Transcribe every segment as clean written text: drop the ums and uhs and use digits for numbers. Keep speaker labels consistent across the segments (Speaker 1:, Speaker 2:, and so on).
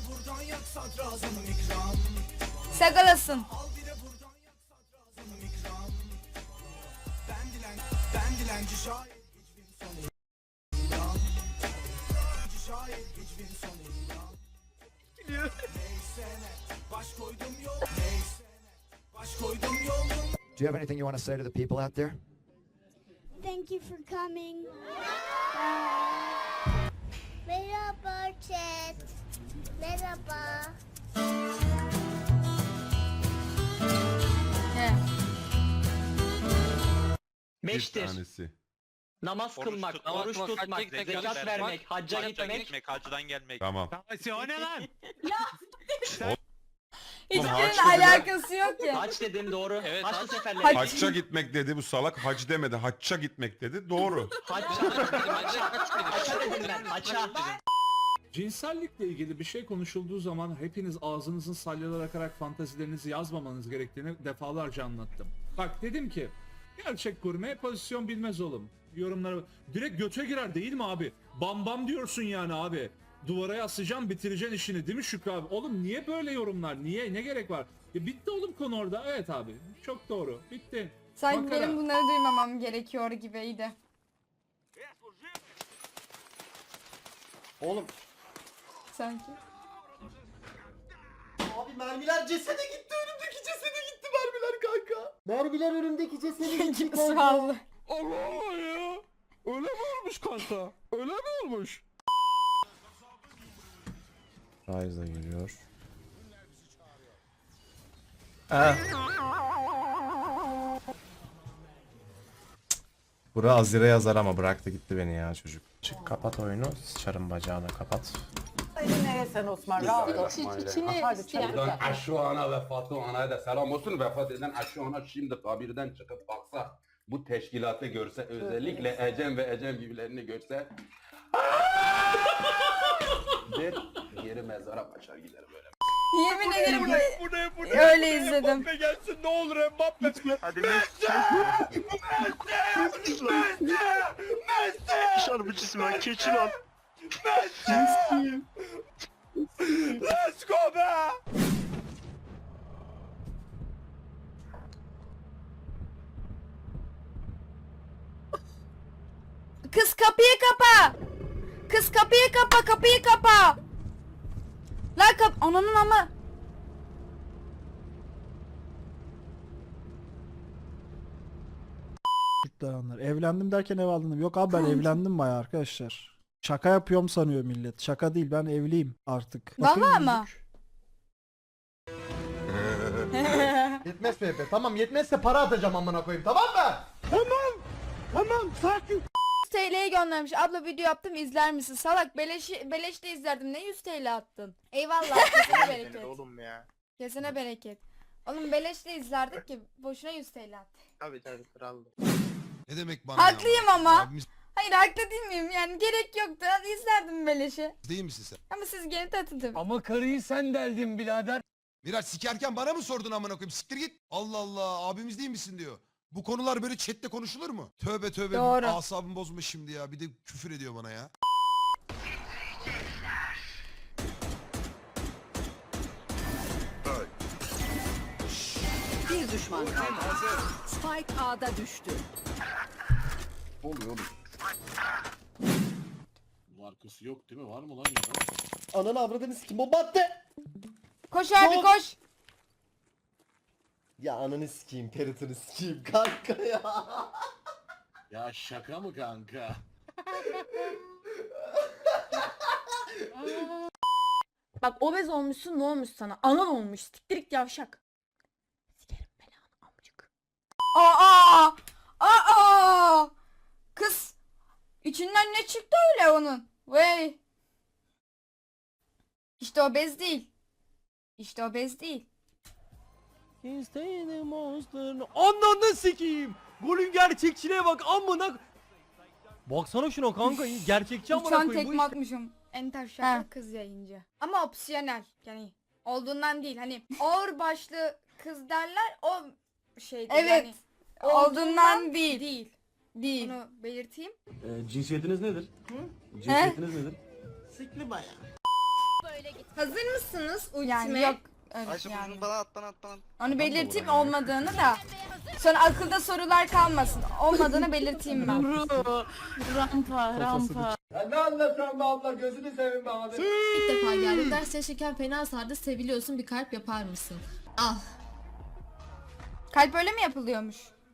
Speaker 1: Sagalasın.
Speaker 2: Do you have anything you want to say to the people out there?
Speaker 3: Thank you for coming. Merhaba chat. Merhaba.
Speaker 1: He.
Speaker 4: Bir
Speaker 5: Beştir.
Speaker 4: tanesi.
Speaker 5: Namaz kılmak, oruç tutmak, zekat vermek, hacca gitmek.
Speaker 6: hacdan gelmek.
Speaker 4: Tamam.
Speaker 7: O ne lan?
Speaker 1: Hiçbirinin
Speaker 4: haç dedi.
Speaker 1: alakası yok ki.
Speaker 5: Hac dedim doğru.
Speaker 6: Evet,
Speaker 5: Haçlı
Speaker 6: hac.
Speaker 5: seferleri.
Speaker 4: Hacca gitmek dedi bu salak. Hac demedi. Hacca gitmek dedi. Doğru.
Speaker 5: Haça dedim ben. Haça.
Speaker 7: Cinsellikle ilgili bir şey konuşulduğu zaman hepiniz ağzınızın salyalar akarak fantazilerinizi yazmamanız gerektiğini defalarca anlattım. Bak dedim ki gerçek gurme pozisyon bilmez oğlum. Yorumlara direkt göte girer değil mi abi? Bam bam diyorsun yani abi. Duvara yaslayacaksın bitireceksin işini değil mi Şükrü abi? Oğlum niye böyle yorumlar? Niye? Ne gerek var? Bitti oğlum konu orada. Evet abi. Çok doğru. Bitti.
Speaker 1: Sanki
Speaker 7: Makara.
Speaker 1: benim bunları duymamam gerekiyor gibiydi.
Speaker 8: Oğlum.
Speaker 1: Sanki.
Speaker 8: Abi mermiler cesede gitti, önümdeki cesede gitti mermiler kanka. Mermiler önümdeki cesede gitti kanka.
Speaker 1: Sağlı.
Speaker 9: Allah Allah ya. Öyle mi olmuş kanka? Öyle mi olmuş?
Speaker 8: Ryze geliyor. Bura Azire yazar ama bıraktı gitti beni ya çocuk. Çık kapat oyunu, sıçarım bacağını kapat.
Speaker 10: Neresen Osman rahat ol. Hadi
Speaker 11: Buradan Aşu Ana ve Fatu Ana'ya da selam olsun. Vefat eden Aşu Ana şimdi kabirden çıkıp baksa, bu teşkilatı görse, özellikle Ecem ve Ecem gibilerini görse der, geri mezara kaçar gider böyle.
Speaker 1: Yemin ederim
Speaker 9: Bu ne?
Speaker 1: öyle izledim.
Speaker 9: Mbappe gelsin ne olur Mbappe. Hadi Messi. Şarbıcısı ben keçi lan. Messi. Let's go be.
Speaker 1: Kız kapıyı kapa. Kız kapıyı kapa, kapıyı kapa. Lan ananın ama.
Speaker 12: Evlendim derken ev aldım. Yok abi ben evlendim bayağı arkadaşlar. Şaka yapıyorum sanıyor millet. Şaka değil, ben evliyim artık. Bakın
Speaker 1: Vallahi ama.
Speaker 8: Yetmez PP, tamam yetmezse para atacağım amına koyayım, tamam mı?
Speaker 9: Tamam sakin.
Speaker 1: 100 TL'ye göndermiş. Abla video yaptım, izler misin? Salak beleşte izlerdim. Ne 100 TL attın? Eyvallah. Kesene bereket.
Speaker 9: Oğlum ya.
Speaker 1: Kesene bereket. Oğlum beleşte izlerdik ki boşuna 100 TL attı.
Speaker 9: Tabii kraldı.
Speaker 2: Ne demek bana?
Speaker 1: Haklıyım ama.
Speaker 2: Abimiz
Speaker 1: Hayır haklı değil miyim? Yani gerek yoktu. Hadi izlerdim beleşe.
Speaker 2: değil misin sen?
Speaker 1: Ama siz gene tatın tabii.
Speaker 9: Ama karıyı sen deldin birader.
Speaker 2: Miraç sikerken bana mı sordun amına koyayım? Siktir git. Allah Allah abimiz değil misin diyor. Bu konular böyle chatte konuşulur mu? Tövbe tövbe.
Speaker 1: Doğru.
Speaker 2: Asabım bozma şimdi ya. Bir de küfür ediyor bana ya.
Speaker 10: bir düşman kaldı. Spike A'da düştü.
Speaker 11: Oluyor oğlum.
Speaker 9: Markası yok değil mi? Var mı lan ya?
Speaker 8: Ananı avradını sikim, bomba attı.
Speaker 1: Koş abi
Speaker 8: Yok.
Speaker 1: koş.
Speaker 8: Ya ananı sikeyim, peritini sikeyim kanka ya.
Speaker 9: Ya şaka mı kanka?
Speaker 1: Bak obez olmuşsun, ne olmuş sana? Anan olmuş. Siktirik yavşak. Sikerim belanı amcık. Aa! Aa! Kız. İçinden ne çıktı öyle onun? Vey. İşte obez değil. İşte obez değil.
Speaker 5: Ananı sikeyim. Golün gerçekçiliğe bak amına. Baksana şuna kanka gerçekçi amına
Speaker 1: Uçan
Speaker 5: koyayım bu
Speaker 1: tekme
Speaker 5: iş.
Speaker 1: atmışım. Enter şaka kız yayıncı. Ama opsiyonel. Yani olduğundan değil. Hani ağır başlı kız derler o şeydir. Evet. Yani, olduğundan değil. Değil. Onu belirteyim.
Speaker 9: Cinsiyetiniz nedir?
Speaker 1: Cinsiyetiniz
Speaker 9: nedir?
Speaker 10: Sikli bayağı. Böyle git
Speaker 1: Hazır mısınız ultime? Yani yok.
Speaker 9: Ayşe
Speaker 1: yani.
Speaker 9: bana at bana at bana.
Speaker 1: Onu belirteyim olmadığını da. Sonra akılda sorular kalmasın. Olmadığını belirteyim ben.
Speaker 10: Rampa.
Speaker 11: Ya ne anlatıyorsun be abla gözünü seveyim be abi.
Speaker 10: İlk defa geldim. Derste şeker fena sardı. Seviliyorsun bir kalp yapar mısın? Al.
Speaker 1: Kalp öyle mi yapılıyormuş?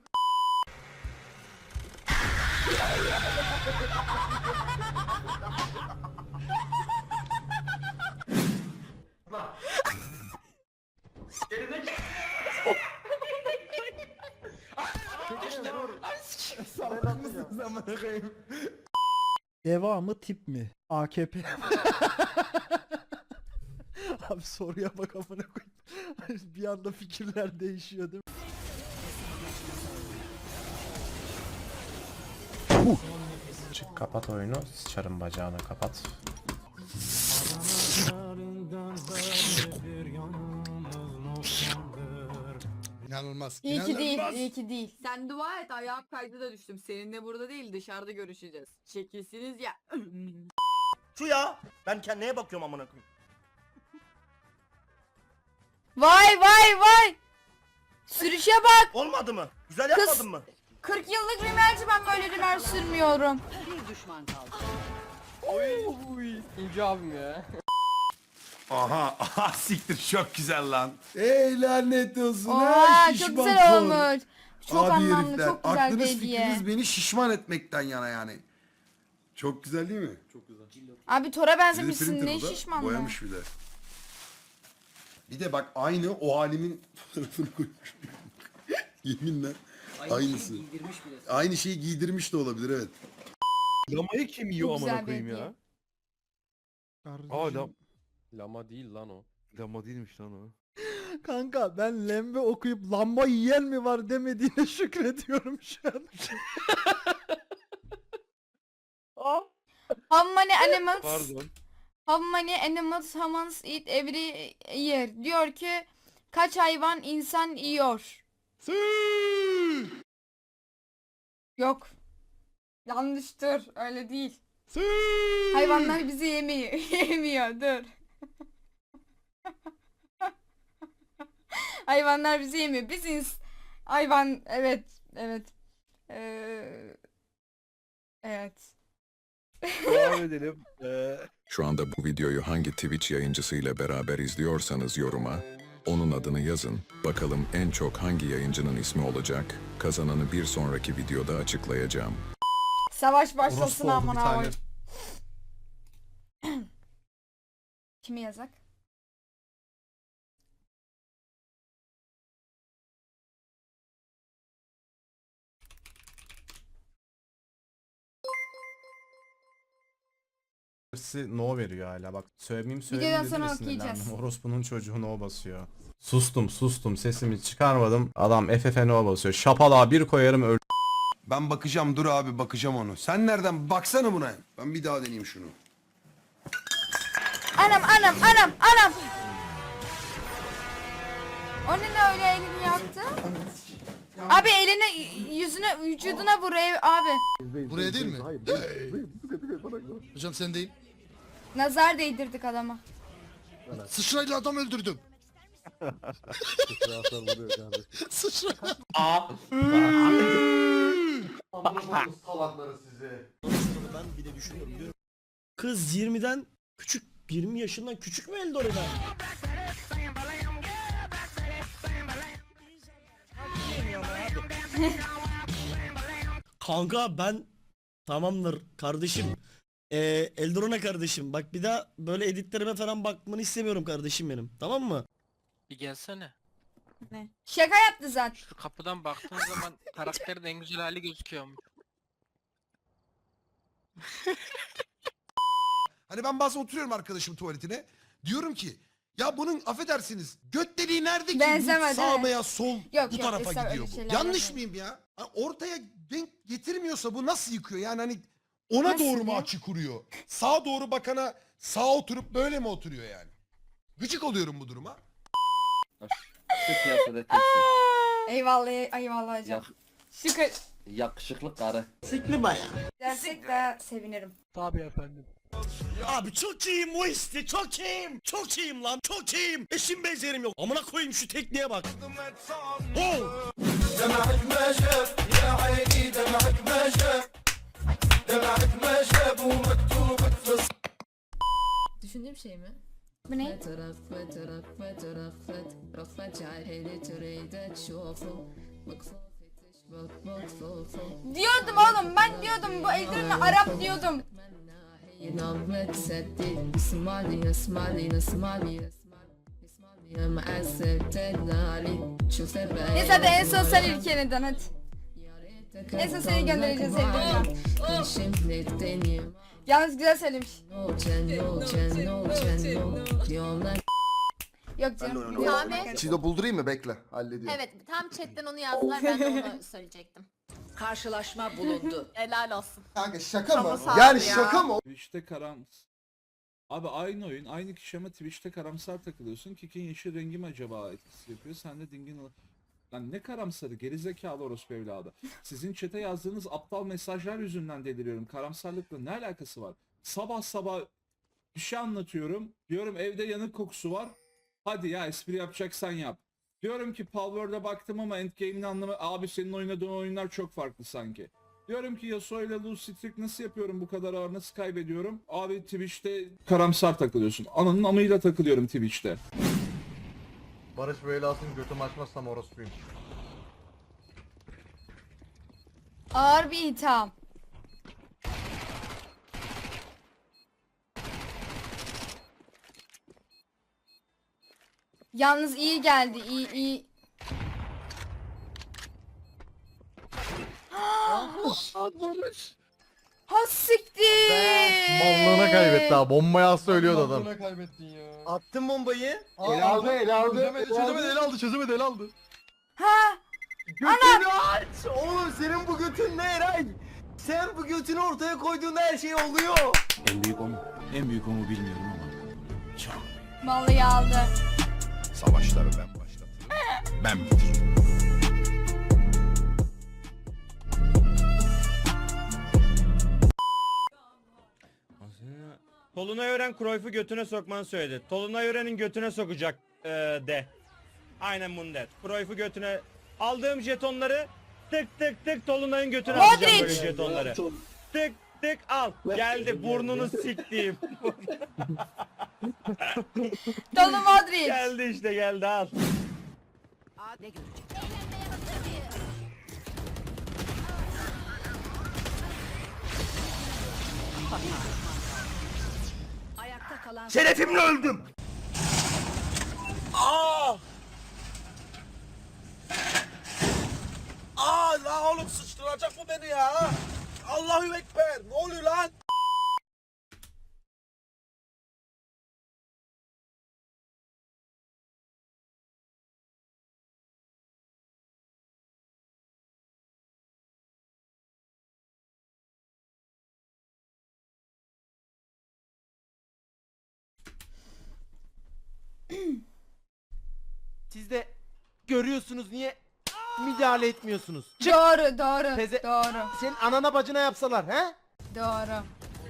Speaker 12: Devamı tip mi? AKP. Abi soruya bak amına koyayım. Bir anda fikirler değişiyor değil mi?
Speaker 8: Çık kapat oyunu. Sıçarım bacağına kapat.
Speaker 2: İnanılmaz.
Speaker 1: İyi ki değil, iyi ki değil.
Speaker 10: Sen dua et ayağım kaydı da düştüm. Seninle burada değil dışarıda görüşeceğiz. Şekilsiniz ya.
Speaker 9: Şu ya. Ben kendine bakıyorum amına koyayım.
Speaker 1: Vay vay vay! Sürüşe bak!
Speaker 9: Olmadı mı? Güzel
Speaker 1: Kız-
Speaker 9: yapmadın mı?
Speaker 1: 40 yıllık rimelci ben böyle rimel sürmüyorum.
Speaker 4: Aha, aha siktir çok güzel lan.
Speaker 2: Ey lanet olsun.
Speaker 1: Oha çok güzel olmuş. Çok anlamlı, çok güzel bir
Speaker 2: Aklınız
Speaker 1: hediye.
Speaker 2: fikriniz beni şişman etmekten yana yani. Çok güzel değil mi? Çok güzel.
Speaker 1: Abi Tora
Speaker 2: Bir de
Speaker 1: benzemişsin
Speaker 2: printer
Speaker 1: ne
Speaker 2: o da,
Speaker 1: şişmanlı.
Speaker 2: boyamış bir de. Bir de bak aynı o halimin fotoğrafını koymuş. Yeminle aynısı. Aynı şeyi giydirmiş de olabilir evet.
Speaker 5: Lamayı kim yiyor
Speaker 1: Çok
Speaker 5: amına
Speaker 1: güzel bir
Speaker 5: koyayım
Speaker 1: hediye.
Speaker 5: ya?
Speaker 12: Kardeşim.
Speaker 5: Lama değil lan o. Lama değilmiş lan o.
Speaker 12: Kanka ben lembe okuyup lamba yiyen mi var demediğine şükrediyorum şu an.
Speaker 1: How many animals?
Speaker 5: Pardon.
Speaker 1: How many animals humans eat every year? Diyor ki kaç hayvan insan yiyor? Yok. Yanlıştır. Öyle değil. Hayvanlar bizi yemiyor. Yemiyor. Dur. Hayvanlar bizi yemiyor. Biz hayvan evet evet. Evet.
Speaker 5: Devam edelim.
Speaker 6: Şu anda bu videoyu hangi Twitch yayıncısıyla beraber izliyorsanız yoruma, onun adını yazın. Bakalım en çok hangi yayıncının ismi olacak? Kazananı bir sonraki videoda açıklayacağım.
Speaker 1: Savaş başlasın
Speaker 8: Orospu oldu bir
Speaker 1: amına
Speaker 8: tane.
Speaker 1: koyayım. Kimi yazak?
Speaker 8: No veriyor hala bak. Söylemeyeyim
Speaker 1: Videodan
Speaker 8: söyleyeyim
Speaker 1: sonra
Speaker 8: dedi de
Speaker 1: okuyacağız.
Speaker 8: sinirlendim. Orospunun çocuğu no basıyor. Sustum sesimi çıkarmadım. Adam FF no basıyor. Şapalağa bir koyarım öl.
Speaker 2: Ben bakacağım dur abi bakacağım onu. Sen nereden baksana buna. Ben bir daha deneyeyim şunu.
Speaker 1: Anam anam anam anam. O ne öyle elini yaktı? Abi elini yüzüne vücuduna vur abi.
Speaker 2: Buraya değil mi? Hocam sen değil.
Speaker 1: Nazar değdirdik adama.
Speaker 2: Sıçrayla adam öldürdüm. Sıçra.
Speaker 11: Salakları sizi.
Speaker 9: Ben bir de düşünüyorum diyorum. Kız 20'den küçük 20 yaşından küçük mü Eldora'da? Kanka ben tamamdır kardeşim. Eldorana kardeşim. Bak bir daha böyle editlerime falan bakmanı istemiyorum kardeşim benim. Tamam mı?
Speaker 10: Bir gelsene.
Speaker 1: Ne? Şaka yaptı zaten.
Speaker 10: Şu kapıdan baktığın zaman karakterin en güzel hali gözüküyormuş.
Speaker 2: Hani ben bazen oturuyorum arkadaşım tuvaletine. Diyorum ki ya bunun affedersiniz göt deliği nerede ki?
Speaker 1: Benzemedi,
Speaker 2: Bu sağ
Speaker 1: evet.
Speaker 2: veya sol
Speaker 1: Yok,
Speaker 2: bu
Speaker 1: yok,
Speaker 2: tarafa
Speaker 1: öyle
Speaker 2: gidiyor bu.
Speaker 1: şeyler
Speaker 2: Yanlış
Speaker 1: yapmayın.
Speaker 2: mıyım ya? Hani ortaya denk getirmiyorsa bu nasıl yıkıyor? Yani hani ona
Speaker 1: Nasıl
Speaker 2: doğru mu
Speaker 1: ya?
Speaker 2: açı kuruyor? Sağa doğru bakana sağ oturup böyle mi oturuyor yani? Gıcık oluyorum bu duruma.
Speaker 1: Eyvallah eyvallah hocam. Şükür.
Speaker 11: Yakışıklı karı.
Speaker 9: Sikli baya.
Speaker 1: Dersek de sevinirim.
Speaker 10: Tabii efendim.
Speaker 9: Abi çok iyiyim Muisti, çok iyiyim. Çok iyiyim lan, çok iyiyim. Eşim benzerim yok. Amına koyayım şu tekniğe bak. Oh!
Speaker 10: Düşündüğüm şey mi?
Speaker 1: Bu ne? Diyordum oğlum, ben diyordum bu Eldiren'le Arap diyordum. Neyse hadi en son sen ülkeneden hadi. En son seni göndereceğiz Eldiren'e. Yalnız güzel söylemiş. Yok canım.
Speaker 3: Sami.
Speaker 2: Çiğdo buldurayım mı? Bekle. Hallediyorum.
Speaker 3: Evet tam chatten onu yazdılar ben de onu söyleyecektim.
Speaker 10: Karşılaşma bulundu.
Speaker 3: Helal olsun.
Speaker 2: Kanka şaka mı?
Speaker 3: sağ ol
Speaker 2: Yani
Speaker 3: ya.
Speaker 2: şaka mı?
Speaker 7: Twitch'te Abi aynı oyun, aynı kişi ama Twitch'te karamsar takılıyorsun. Kik'in yeşil rengi mi acaba etkisi yapıyor? Sen de dingin... Lan ne karamsarı, gerizekalı orospu evladı. Sizin chat'e yazdığınız aptal mesajlar yüzünden deliriyorum. Karamsarlıkla ne alakası var? Sabah sabah bir şey anlatıyorum. Diyorum evde yanık kokusu var. Hadi ya espri yapacaksan yap. Diyorum ki Palworld'e baktım ama Endgame'in anlamı... Abi senin oynadığın oyunlar çok farklı sanki. Diyorum ki Yasuo ile Lucy Trick nasıl yapıyorum bu kadar ağır, nasıl kaybediyorum? Abi Twitch'te karamsar takılıyorsun. Ananın amıyla takılıyorum Twitch'te.
Speaker 8: Barış Beylas'ın götüm açmazsam orospuyum.
Speaker 1: Ağır bir itham. Yalnız iyi geldi, iyi. Ha siktir.
Speaker 8: Mallığına kaybetti ha. Bombayı söylüyordu adam.
Speaker 9: Attın bombayı.
Speaker 2: El aldı.
Speaker 8: Çözemedi el aldı.
Speaker 1: Ha.
Speaker 9: Götünü aç. Oğlum senin bu götün ne Eray? Sen bu götünü ortaya koyduğunda her şey oluyor.
Speaker 11: En büyük o mu? En büyük o mu bilmiyorum ama.
Speaker 1: Vallahi aldı.
Speaker 6: Savaşları ben başlatırım. Ben bitiririm.
Speaker 5: Tolunay Ören Cruyff'u götüne sokmanı söyledi. Tolunay Ören'in götüne sokacak de. Aynen bunu de. Cruyff'u götüne aldığım jetonları tık tık tık Tolunay'ın götüne
Speaker 1: Modric!
Speaker 5: atacağım böyle jetonları. Tık tık al. Geldi burnunu siktiğim.
Speaker 1: Dolu Modric.
Speaker 5: Geldi işte geldi al.
Speaker 10: Ne görecek? Ayakta kalan
Speaker 9: Şerefimle öldüm. Aa! Aa la oğlum sıçtıracak mı beni ya? Allahu Ekber. Ne oluyor lan?
Speaker 5: Siz de görüyorsunuz niye müdahale etmiyorsunuz?
Speaker 1: Doğru.
Speaker 5: Teze-
Speaker 1: Doğru.
Speaker 5: Senin anana bacına yapsalar he?
Speaker 1: Doğru.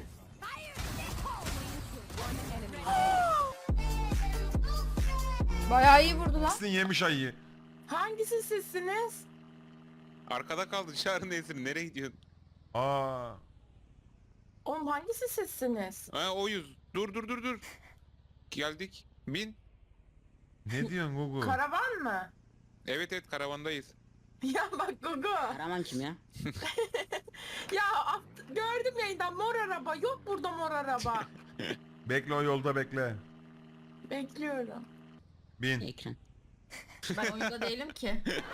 Speaker 1: Bayağı iyi vurdu lan.
Speaker 4: Sizin yemiş ayıyı.
Speaker 10: Hangisi sizsiniz?
Speaker 4: Arkada kaldı dışarı neysin nereye gidiyorsun? Aa.
Speaker 10: Oğlum hangisi sizsiniz?
Speaker 4: Ha oyuz. Dur. Geldik. Bin. Ne diyorsun Gugu?
Speaker 10: Karavan mı?
Speaker 4: Evet karavandayız.
Speaker 10: Ya bak Gugu.
Speaker 5: Karaman kim ya?
Speaker 10: Ya gördüm yayından mor araba. Yok burada mor araba.
Speaker 4: Bekle o yolda bekle.
Speaker 10: Bekliyorum.
Speaker 4: Bin.
Speaker 10: Ben oyunda değilim ki.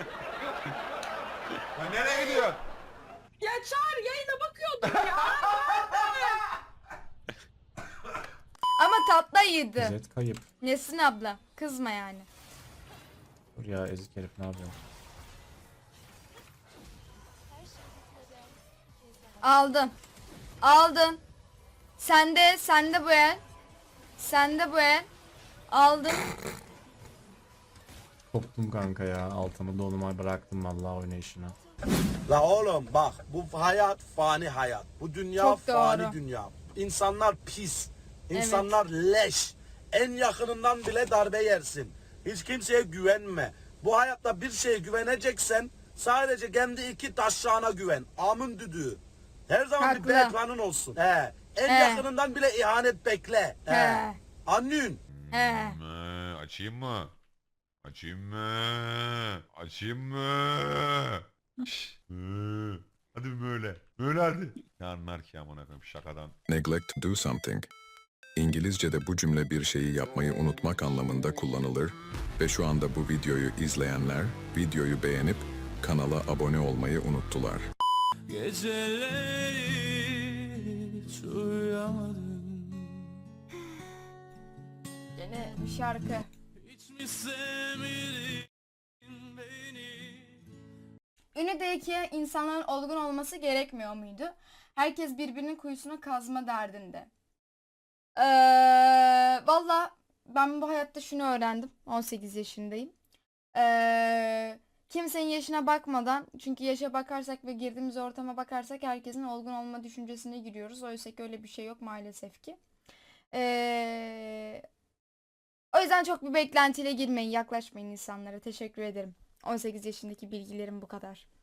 Speaker 4: Ya nereye gidiyorsun?
Speaker 10: Ya Çağrı yayına bakıyordum ya.
Speaker 1: Ama tatlı yedi.
Speaker 8: Zed kayıp.
Speaker 1: Nesin abla? Kızma yani.
Speaker 8: Dur ya ezik herif ne yapıyor?
Speaker 1: Aldın. Sende bu el. Sende bu el. Aldın.
Speaker 8: Koptum kanka ya. Altımı doluma bıraktım vallahi oynayışına.
Speaker 9: La oğlum bak bu hayat fani hayat. Bu dünya
Speaker 1: Çok doğru.
Speaker 9: fani dünya. İnsanlar pis.
Speaker 1: Evet.
Speaker 9: İnsanlar leş. En yakınından bile darbe yersin. Hiç kimseye güvenme. Bu hayatta bir şeye güveneceksen sadece kendi iki taşağına güven. Amın düdüğü. Her zaman bir
Speaker 1: Haklı.
Speaker 9: background'un olsun. He. En
Speaker 1: He.
Speaker 9: yakınından bile ihanet bekle. He.
Speaker 1: He.
Speaker 9: Anlıyorsun.
Speaker 1: He.
Speaker 4: Açayım mı? Açayım mı? Açayım mı? Şşş. Hadi böyle. Böyle hadi. Ne anlar ki amına koyayım şakadan.
Speaker 6: Neglect to do something. İngilizce'de bu cümle bir şeyi yapmayı unutmak anlamında kullanılır ve şu anda bu videoyu izleyenler videoyu beğenip kanala abone olmayı unuttular.
Speaker 1: Gene bir şarkı. Ünlü'deki insanların olgun olması gerekmiyor muydu? Herkes birbirinin kuyusuna kazma derdinde. Valla ben bu hayatta şunu öğrendim. 18 yaşındayım. Kimsenin yaşına bakmadan, çünkü yaşa bakarsak ve girdiğimiz ortama bakarsak herkesin olgun olma düşüncesine giriyoruz. Oysa ki öyle bir şey yok maalesef ki. O yüzden çok bir beklentiyle girmeyin, yaklaşmayın insanlara. Teşekkür ederim. 18 yaşındaki bilgilerim bu kadar.